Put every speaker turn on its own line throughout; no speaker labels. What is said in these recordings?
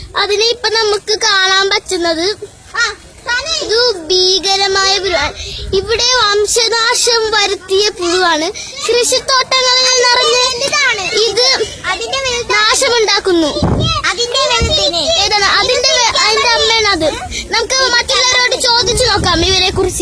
അതിനെ ഇപ്പൊ നമുക്ക് കാണാൻ പറ്റുന്നത് ഇത് ഭീകരമായ പുഴുവാണ്. ഇവിടെ വംശനാശം വരുത്തിയ പുഴുവാണ്. കൃഷിത്തോട്ടങ്ങളിൽ നിറഞ്ഞ് ഇത് നാശമുണ്ടാക്കുന്നു. ഏതാണ് അതിന്റെ അമ്മയാണ് അത്. നമുക്ക് മറ്റുള്ളവരോട് ചോദിച്ചു നോക്കാം ഇവരെ കുറിച്ച്.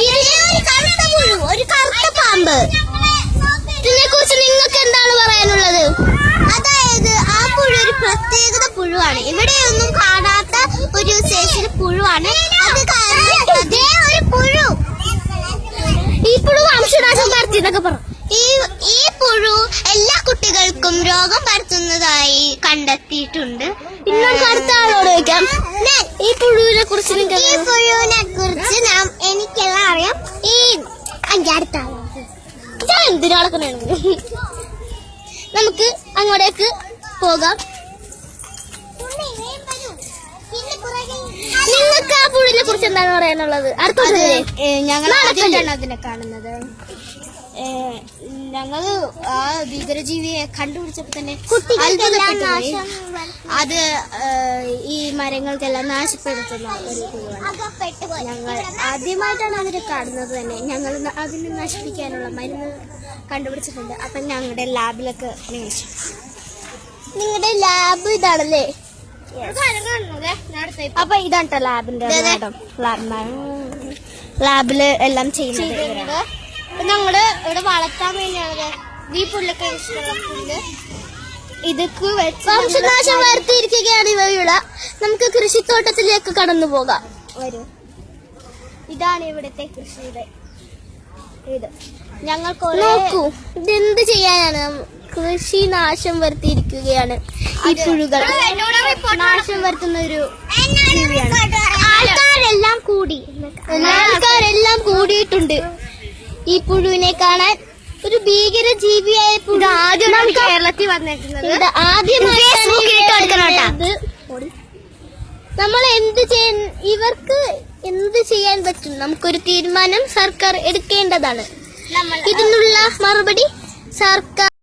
ഒരു കറുത്ത പാമ്പ്, ഇതിനെ കുറിച്ച് നിങ്ങൾക്ക് എന്താണ് പറയാനുള്ളത്?
അതായത് ആ പുഴു ഒരു പ്രത്യേകത പുഴുവാണ്. ഇവിടെയൊന്നും കാണാത്ത ഒരു സൈസിൽ പുഴുവാണ്. അത് ഒരു പുഴു.
ഈ പുഴു വംശനാശം നടത്തിയെന്നൊക്കെ പറഞ്ഞു.
ഈ പുഴു എല്ലാ കുട്ടികൾക്കും രോഗം പരത്തുന്നതായി കണ്ടെത്തിയിട്ടുണ്ട്.
ഇന്ന് അടുത്ത ആളോട് ചോദിക്കാം, ഈ പുഴുവിനെ കുറിച്ച്
എനിക്കെല്ലാം അറിയാം. അടുത്ത
ഞാൻ എന്തിനാളൊക്കെ നമുക്ക് അങ്ങോട്ടേക്ക് പോകാം. നിങ്ങൾക്ക് ആ പുഴുവിനെ കുറിച്ച് എന്താണ് പറയാനുള്ളത്?
ഞങ്ങൾ ആദ്യമായിട്ടാണ് അതിനെ കാണുന്നത്. ഞങ്ങള് ആ ഭീകരജീവിയെ കണ്ടുപിടിച്ചപ്പോ തന്നെ അത് ഈ മരങ്ങൾക്കെല്ലാം നാശപ്പെടുത്തുന്ന ഒരു പുഴുവാണ്. ഞങ്ങൾ ആദ്യമായിട്ടാണ് അതിനെ കാണുന്നത് തന്നെ. ഞങ്ങൾ അതിനെ നശിപ്പിക്കാനുള്ള മരുന്ന് കണ്ടുപിടിച്ചിട്ടുണ്ട്. അപ്പൊ ഞങ്ങളുടെ ലാബിലൊക്കെ നിയമിച്ചു.
നിങ്ങളുടെ ലാബ് ഇതാണല്ലേ?
അപ്പൊ ഇതാണ് ലാബിന്റെ ലാബില് എല്ലാം ചെയ്യുന്നത്. ഞങ്ങള് ഇവിടെ വളർത്താൻ വേണ്ടിയാണ് ഈ പുല്ലൊക്കെ ഇഷ്ടമുള്ള പുല്ല് ഇതൊക്കെ
വംശനാശം വരുത്തിയിരിക്കുകയാണ് ഇവയുടെ. നമുക്ക് കൃഷിത്തോട്ടത്തിലേക്ക് കടന്നു പോകാം.
വരൂ. ഇതാണ് ഇവിടുത്തെ കൃഷിയുടെ ഇത്. ഞങ്ങൾക്ക്
നോക്കൂ, ഇതെന്ത് ചെയ്യാനാണ്? കൃഷി നാശം വരുത്തിയിരിക്കുകയാണ് ഈ പുഴുകൾ.
നാശം വരുത്തുന്ന ഒരു ജീവിയാണ്.
ആൾക്കാരെല്ലാം കൂടിയിട്ടുണ്ട് ഈ പുഴുവിനെ കാണാൻ. ഒരു ഭീകര ജീവിയായ പുഴു
ആദ്യമാണ് കേരളത്തിൽ വന്നേക്കുന്നത്.
ആദ്യമായിട്ടാണ് നമ്മൾ ഇവർക്ക് എന്ത് ചെയ്യാൻ പറ്റും? നമുക്കൊരു തീരുമാനം സർക്കാർ എടുക്കേണ്ടതാണ്. ഇതിനുള്ള മറുപടി സർക്കാർ